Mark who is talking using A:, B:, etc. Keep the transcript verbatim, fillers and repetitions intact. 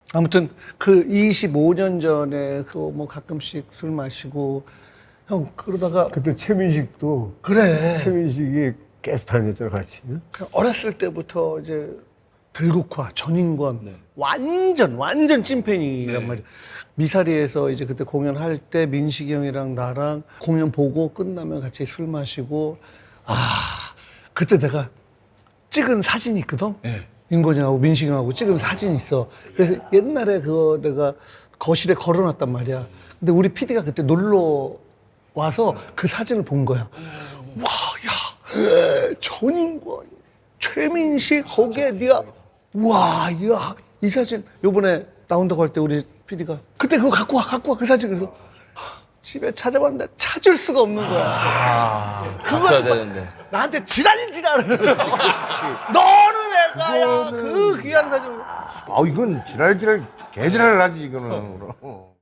A: 아무튼 그 이십오 년 전에 그 뭐 가끔씩 술 마시고 형 그러다가
B: 그때 최민식도
A: 그래
B: 최민식이 계속 다녔잖아 같이. 응?
A: 그 어렸을 때부터 이제 들국화 전인권
C: 네.
A: 완전 완전 찐팬이란
C: 네.
A: 말이야. 미사리에서 이제 그때 공연할 때 민식이 형이랑 나랑 공연 보고 끝나면 같이 술 마시고 아 그때 내가 찍은 사진이 있거든.
C: 네.
A: 인권이하고 민식이 형하고 찍은 사진이 있어. 그래서 옛날에 그거 내가 거실에 걸어놨단 말이야. 근데 우리 피디가 그때 놀러 와서 그 사진을 본 거야. 와, 야, 전인권, 최민식, 거기에 네가 와, 야, 이 사진 요번에 나온다고 할 때 우리 피디가 그때 그거 갖고 와, 갖고 와 그 사진. 그래서 하, 집에 찾아봤는데 찾을 수가 없는 거야.
C: 아,
A: 그거
C: 갔어야
A: 가지고
C: 되는데.
A: 나한테 지랄 지랄을 그렇지. 너는 애가야 그 귀한 사진.
D: 아 이건 지랄지랄 개지랄을 하지 이거는.